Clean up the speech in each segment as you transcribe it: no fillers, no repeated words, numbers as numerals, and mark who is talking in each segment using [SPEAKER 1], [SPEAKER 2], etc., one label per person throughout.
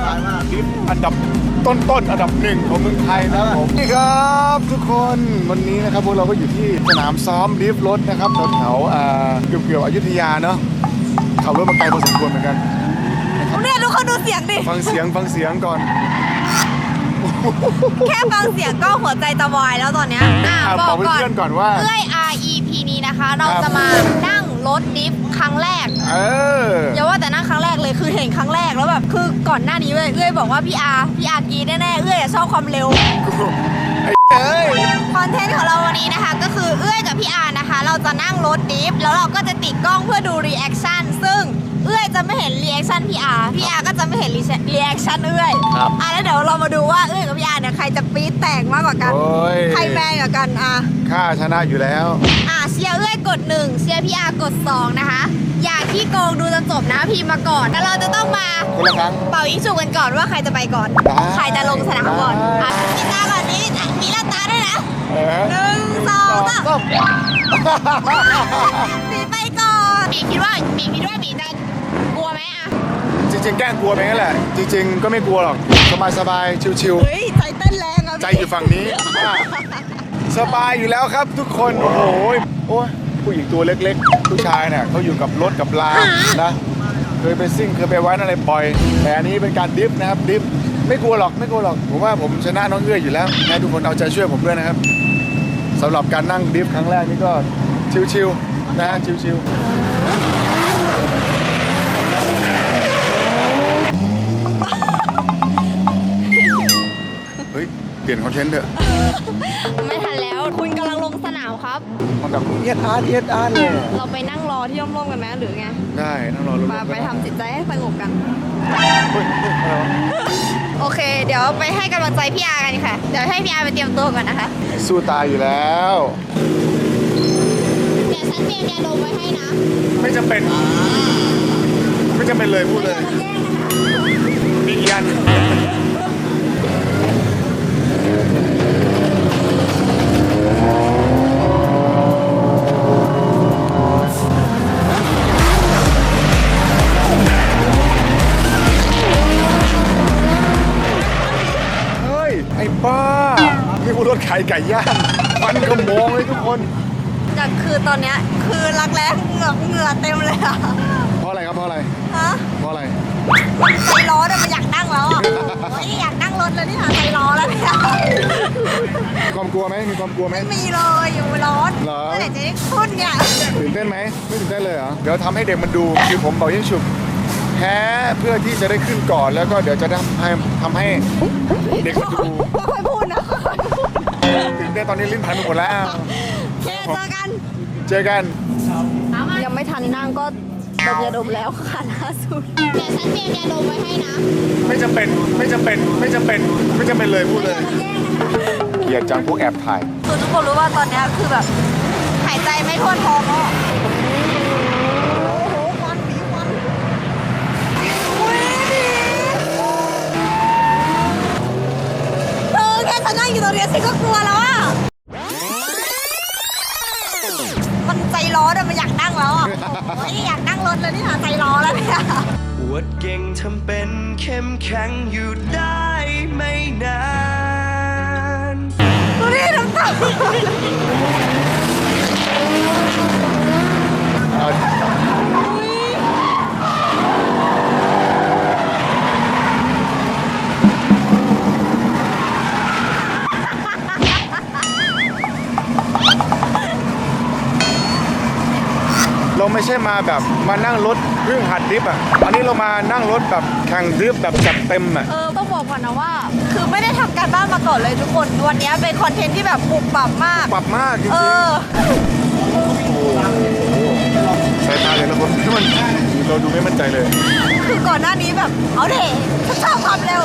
[SPEAKER 1] ดิฟอันดับต้นอันดับหนึ่งของเมืองไทยนะครับผมนี่ครับทุกคนวันนี้นะครับพวกเราก็อยู่ที่สนามซ้อมดิฟรถนะครับแถวเกี่ยวอยุธยาเนาะขับรถมาไกลพอสมควรเหมือนกัน
[SPEAKER 2] เนี่ยทุกคนดูเสียงดิ
[SPEAKER 1] ฟังเสียงก่อน
[SPEAKER 2] แค่ฟังเสียงก็หัวใจจะวายแล้วตอนเนี้ย
[SPEAKER 1] บอกเพื่อนก่อนว่า
[SPEAKER 2] เอ้ย REP นี้นะคะเราจะมานั่งรถดิฟครั้งแรกอย่าว่าแต่นั่งครั้งแรกเลยคือเห็นครั้งแรกแล้วแบบคือก่อนหน้านี้เอ้ยบอกว่าพี่อาร์กีแน่ๆเอ้ยชอบความเร็วคอนเทนต์ของเราวันนี้นะคะก็คือเอ้ยกับพี่อาร์นะคะเราจะนั่งรถดิฟแล้วเราก็จะติดกล้องเพื่อดูรีแอคชั่นซึ่งเอ้ยจะไม่เห็นรีแอคชั่นพี่อาร์ก็จะไม่เห็นรีแอคชั่นเอ้ยแล้วเดี๋ยวเรามาดูว่าเอ้ยกับพี่อาร์เนี่ยใครจะปี๊ดแตกมากกว่ากันใครแรงกว่ากัน
[SPEAKER 1] ข้าชนะอยู่แล้ว
[SPEAKER 2] เชียร์เอ้ยกด1เชียร์พี่อาร์กด2นะคะอย่าขี้โกงดูจนจบนะพี่มาก่อนแล้วเราจะต้องมาเป่ายิงฉุบกันก่อนว่าใครจะไปก่อนใครจะลงสนามก่อนมีตาก่อนนี้มีหน้าตาด้วยนะ1 2 3ปีไปก่อนปีคิดว่าปีจะกลัวไหม
[SPEAKER 1] จริงๆแกล้งกลัวไปงั้นแหละจริงๆก็ไม่กลัวหรอกสบายชิว
[SPEAKER 2] ๆเฮ้ยใจเต้นแรง
[SPEAKER 1] ใจอยู่ฝั่งนี้สบายอยู่แล้วครับทุกคนโอ้โหผู้หญิงตัวเล็กๆผู้ชายเนี่ยเขาอยู่กับรถกับลานะเคยไปซิ่งเคยไปไว้อะไรบ่อยแต่อันนี้เป็นการดิฟนะครับดิฟไม่กลัวหรอกผมว่าผมชนะน้องเอื้ออยู่แล้วนะทุกคนเอาใจช่วยผมด้วยนะครับสำหรับการนั่งดิฟครั้งแรกนี่ก็ชิวๆนะชิวๆเฮ้ยเปลี่ยนคอนเทนต์เถอะ
[SPEAKER 2] ไม่ทันแล้วคุณกำลังลงสนามครับ
[SPEAKER 1] มันแบบเอียดอาร์เลย
[SPEAKER 2] เราไปนั่งรอที่ร่มๆกันไหมหรือไง
[SPEAKER 1] ได้นั่งรอ
[SPEAKER 2] ไปทำจิตใจให้สงบกันโอเคเดี๋ยวไปให้กำลังใจพี่อาร์กันค่ะเดี๋ยวให้พี่อาร์ไปเตรียมตัวก่อนนะคะ
[SPEAKER 1] สู้ตายอยู่แล้ว
[SPEAKER 2] เดี๋ยวฉันเตรียมยาดมไว้ให้นะ
[SPEAKER 1] ไม่จำเป็นเลยพูดเลยมียันไอ้บ้านี่กูรถขายไก่ย่างมันก็มองเลยทุกคน
[SPEAKER 2] แต่คือตอนเนี้ยคือรักแร้เหงื่อเต็มเลยอะ
[SPEAKER 1] เพราะอะไรครับเพราะอะไร
[SPEAKER 2] ใจร้อนอะมันอยากนั่งแล้วอะอยากนั่งรถเลยนี่ค่ะใจร้อนแล้วเนี่ย
[SPEAKER 1] มีความกลัวไหมไม่
[SPEAKER 2] มีเลยอยู่ร้อน
[SPEAKER 1] เหรอ
[SPEAKER 2] เมื่อไหร่จะได้ขึ้นเนี่ย
[SPEAKER 1] ตื่นเต้นไหมไม่ตื่นเต้นเลยเหรอเดี๋ยวทำให้เด็กมันดูคือผมเป่ายิงฉุบแพ้เพื่อที่จะได้ขึ้นก่อนแล้วก็เดี๋ยวจะทำให้เด็กมันดู
[SPEAKER 2] ค่อยพูดนะ
[SPEAKER 1] ตื่นเต้นตอนนี้ลิ้นพันไปหมดแล้วเจอกัน
[SPEAKER 2] ยังไม่ทันนั่งก็ดมยาดมแล้วค่ะล่าสุดเดี๋ยวฉันเตรียมยาดมไว้ให้นะ
[SPEAKER 1] ไม่จำเป็นเลยพูดเลยเกลียดจังพวกแอบถ่าย
[SPEAKER 2] คือทุกคนรู้ว่าตอนนี้คือแบบหายใจไม่ทั่วท้องอ่ะฉันนั่งอยู่ตรงนี้ฉันก็กลัวแล้วอ่ะมันใจร้อนอะมันอยากนั่งแล้วอ่ะอยากนั่งรถเลยนี่ค่ะใจร้อนแล้วเนี่ย
[SPEAKER 3] อวดเก่งทำเป็นเข้มแข็งอยู่ได้ไม่นาน
[SPEAKER 2] ดูนี่น้ำตา
[SPEAKER 1] เราไม่ใช่มาแบบมานั่งรถเพิ่งหัดดริฟอ่ะอันนี้เรามานั่งรถแบบแข่งดริฟแบบจัดเต็มอ่ะ
[SPEAKER 2] ต้องบอกก่อนนะว่าคือไม่ได้ทำการบ้านมาก่อนเลยทุกคนวันนี้เป็นคอนเทนต์ที่แบบปรับ
[SPEAKER 1] มากจริงๆสายตาเลยละคนที่มันเราดูไม่มั่นใจเลย
[SPEAKER 2] คือก่อนหน้านี้แบบเอาเด็กชอบความเร็ว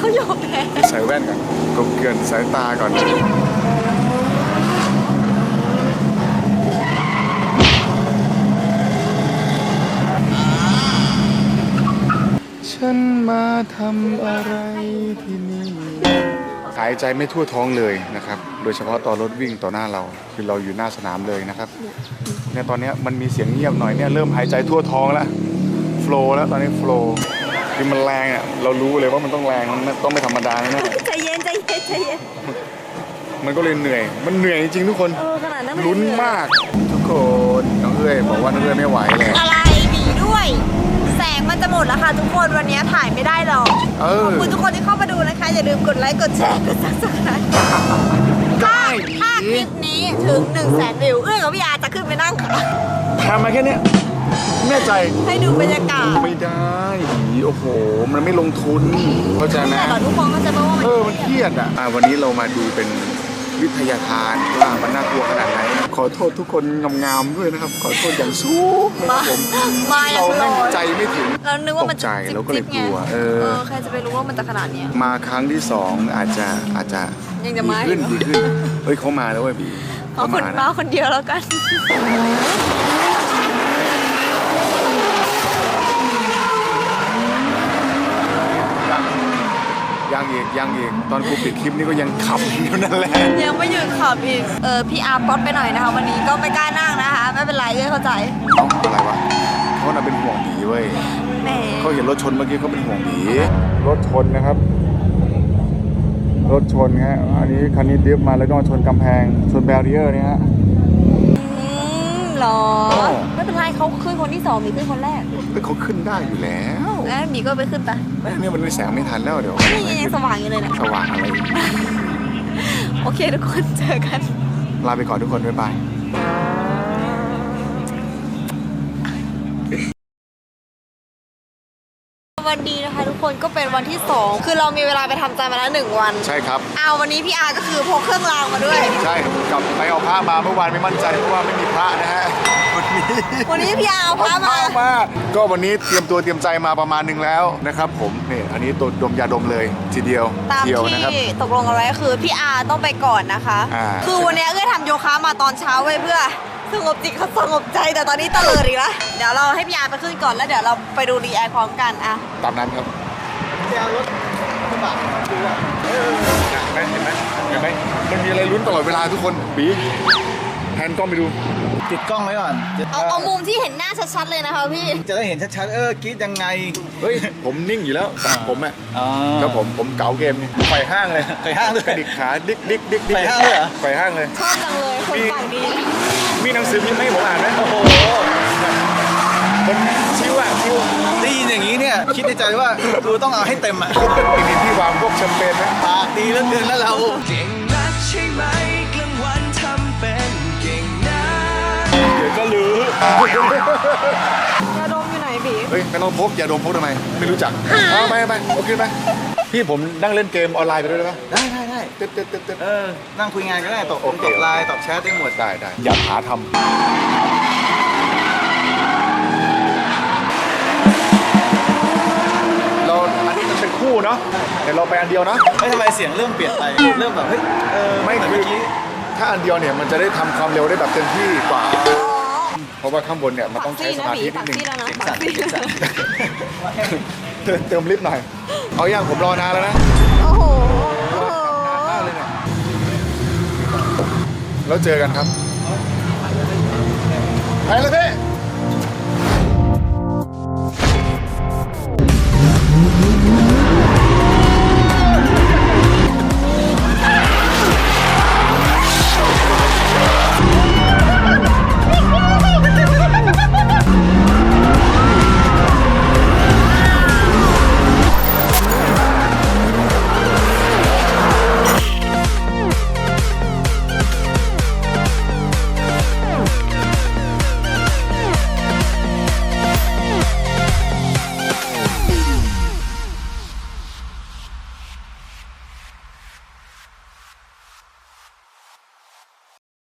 [SPEAKER 2] เขายอมแพ้
[SPEAKER 1] ใส่แว่นก่อนกบเกลื่อนสายตาก่อนฉันมาทำอะไรที่นี่หายใจไม่ทั่วท้องเลยนะครับโดยเฉพาะตอนรถวิ่งต่อหน้าเราคือเราอยู่หน้าสนามเลยนะครับเนี่ยตอนนี้มันมีเสียงเงียบหน่อยเนี่ยเริ่มหายใจทั่วท้องแล้วโฟล์แล้วตอนนี้โฟล์คือมันแรงอ่ะเรารู้เลยว่ามันต้องแรงมันต้องไม่ธรรมดาแน่
[SPEAKER 2] ใจเย็นใจเย็นใจเย็น
[SPEAKER 1] มันก็เลยเหนื่อยมันเหนื่อยจริงๆทุกคน
[SPEAKER 2] ขนาดนั้น
[SPEAKER 1] ลุ้นมากทุกคนน้องเอ้ยบอกว่าน้องเอ้ยไม่ไหวเลย
[SPEAKER 2] อะไรหนีด้วย แสงมันจะหมดแล้วค่ะทุกคนวันนี้ถ่ายไม่ได้หรอกขอบคุณทุกคนที่เข้ามาดูนะคะอย่าลืมกดไลค์กดแชร์กดซับสไครต์ถ้าคลิปนี้ถึง 100,000 วิวเอื้อกับพี่อาจะขึ้นไปนั่งค่ะ
[SPEAKER 1] ทำมาแค่เนี้ยแน่ใจ
[SPEAKER 2] ให้ดูบรรยากาศ
[SPEAKER 1] ไม่ได้โอ้โหมันไม่ลงทุนเข้าใจนะ
[SPEAKER 2] แต่ก่อนทุกคนก็จะบอกว่า
[SPEAKER 1] มันเครียดอ่ะวันนี้เรามาดูเป็นวิทยาทานว่ามันน่ากลัวขนาดไหนขอโทษทุกคนงามๆด้วยนะครับขอโทษอย่างสูงนะครับผม
[SPEAKER 2] มาอย่า
[SPEAKER 1] เรา
[SPEAKER 2] ง
[SPEAKER 1] ไม่
[SPEAKER 2] ลอย
[SPEAKER 1] ใจไม่ถึง
[SPEAKER 2] เรานึกว่ามัน
[SPEAKER 1] ตกใจเราก็เลยกลัว
[SPEAKER 2] ใครจะไปรู้ว่ามันจะขนาดเนี้ย
[SPEAKER 1] มาครั้งที่สองอาจจะ
[SPEAKER 2] ยังจะมา
[SPEAKER 1] ดีขึ้นเฮ้ยเขามาแล้วเว้ยพี่
[SPEAKER 2] เอาคนมาคนเดียวแล้วกัน
[SPEAKER 1] ยังอีกตอนกูปิดคลิปนี่ก็ยังขับอยู่นั่นแหละ
[SPEAKER 2] ยังไม่หยุดขับอีกพี่อาร์ป๊อตไปหน่อยนะคะวันนี้ก็ไม่กล้านั่งนะคะไม่เป็นไรเลยเข้าใจ
[SPEAKER 1] อะไรวะเขาน่ะเป็นห่วงผีเว้ย
[SPEAKER 2] แหม
[SPEAKER 1] เขาเห็นรถชนเมื่อกี้เขาเป็นห่วงผีรถชนนะครับรถชนฮะอันนี้คันนี้ดิฟมาแล้วก็มาชนกำแพงชนแบรีเออร์เนี่ยฮะ
[SPEAKER 2] หรอ
[SPEAKER 1] โอ้
[SPEAKER 2] ไม่เป็นไรเขาขึ้นคนที่สองมีขึ้นคนแรก
[SPEAKER 1] เขาขึ้นได้อยู่แล้ว
[SPEAKER 2] แล้วมีก็ไปขึ้นไป
[SPEAKER 1] เนี่ยมันแสงไม่ทันแล้วเดี๋ยว
[SPEAKER 2] นี่ยังสว่างอยู่เลยนะ
[SPEAKER 1] สว่างอะไร
[SPEAKER 2] โอเคทุกคนเจอกัน
[SPEAKER 1] ลาไปก่อนทุกคนบ๊ายบาย
[SPEAKER 2] วันดีนะคะทุกคนก็เป็นวันที่ 2 คือเรามีเวลาไปทำใจมาแล้ว1 วัน
[SPEAKER 1] ใช่ครับ
[SPEAKER 2] เอาวันนี้พี่อาร์ก็คือพกเครื่องรางมาด้วย
[SPEAKER 1] ใช่กลับไปเอาผ้ามาเมื่อวานไม่มั่นใจเพราะว่าไม่มีพระนะฮะวันนี้
[SPEAKER 2] วันนี้พี่อาร์เอาพามา
[SPEAKER 1] ก็วันนี้เตรียมตัวเตรียมใจมาประมาณหนึ่งแล้วนะครับผมนี่อันนี้ตัวดมยาดมเลยทีเดียว
[SPEAKER 2] ตาม
[SPEAKER 1] เดียวนะครับ
[SPEAKER 2] ที่ตกลงกันไว้ก็คือพี่อาร์ต้องไปก่อนนะคะ คือวันนี้เอ้ยทำโยคะมาตอนเช้าไว้เพื่อสงบจิตสงบใจแต่ตอนนี้ตะเลิดอีกแล้วเดี๋ยวเราให้พี่อาร์ไปขึ้นก่อนแล้วเดี๋ยวเราไปดูรีแอคพร้อมกันอะ
[SPEAKER 1] ตามนั้นครับรถกระบะดูอ่ะเห็นไหมมันมีอะไรลุ้นตลอดเวลาทุกคนบีแพนกล้องไปดู
[SPEAKER 4] ติดกล้องไว้ก่อน
[SPEAKER 2] เอามุมที่เห็นหน้าชัดๆเลยนะคะพี่
[SPEAKER 4] จะได้เห็นชัดๆกรี๊ดยังไง
[SPEAKER 1] เฮ้ยผมนิ่งอยู่แล้วผมอ่ะ
[SPEAKER 4] อ๋อ
[SPEAKER 1] แล้วผมเก๋าเกมนี่ไฟห้างเลย
[SPEAKER 4] ไฟห้างเลย
[SPEAKER 1] กระดิกขาดิก
[SPEAKER 4] ไฟห้างเลยเหรอ
[SPEAKER 1] ไฟห้างเลย
[SPEAKER 2] ชอบจังเลยคนปากดี
[SPEAKER 1] มีหนังสือพิมพ์ให้ผมอ่านไหม
[SPEAKER 4] โอ้โห
[SPEAKER 1] มันชิวอ่ะชิว
[SPEAKER 4] ได้ยินอย่างนี้เนี่ยคิดในใจว่ากูต้องเอาให้เต็มอ่ะ
[SPEAKER 1] มีที่วางพวกแชมเปญไหม
[SPEAKER 4] ปากดีเหลือเกินแล้วเรา
[SPEAKER 3] เก่งนักใช่ไหมกลางวันทำเป็นเก่งนะ
[SPEAKER 1] เดี๋ยวก็รู้
[SPEAKER 2] ยาดมอยู่ไหนบี
[SPEAKER 1] เฮ้ยไม่ต้องพกอย่าดมพกทำไมไม่รู้จักเอาไปโอเคไปพี่ผมนั่งเล่นเกมออนไลน์ไปด้วยได้ปะ
[SPEAKER 4] ได้
[SPEAKER 1] เต๊ด
[SPEAKER 4] นั่งคุยงานก็ได้ตอบไลน์ตอบแชทได้หมด
[SPEAKER 1] ได้อย่าหาทำเราอันนี้มันเป็นคู่เนาะเดี๋ยวเราไปอันเดียวนะ
[SPEAKER 4] ไม่ทำไมเสียงเริ่มเปลี่ยนไปเริ่มแบบเฮ้ย
[SPEAKER 1] ไม่
[SPEAKER 4] เหมือน
[SPEAKER 1] คือ
[SPEAKER 4] เมื่อกี้
[SPEAKER 1] ถ้าอันเดียวเนี่ยมันจะได้ทำความเร็วได้แบบเต็มที่กว่า เพราะว่าข้างบนเนี่ยมันต้องใช้สมาธินิดนึง
[SPEAKER 2] แล้วนะ
[SPEAKER 4] สั่นสั่น
[SPEAKER 1] เติมลิฟต์หน่อยเอาอย่างผมรอนานแล้วนะ
[SPEAKER 2] โอ้โห
[SPEAKER 1] มากเลยเนี่ยแล้วเจอกันครับไปเลยพี่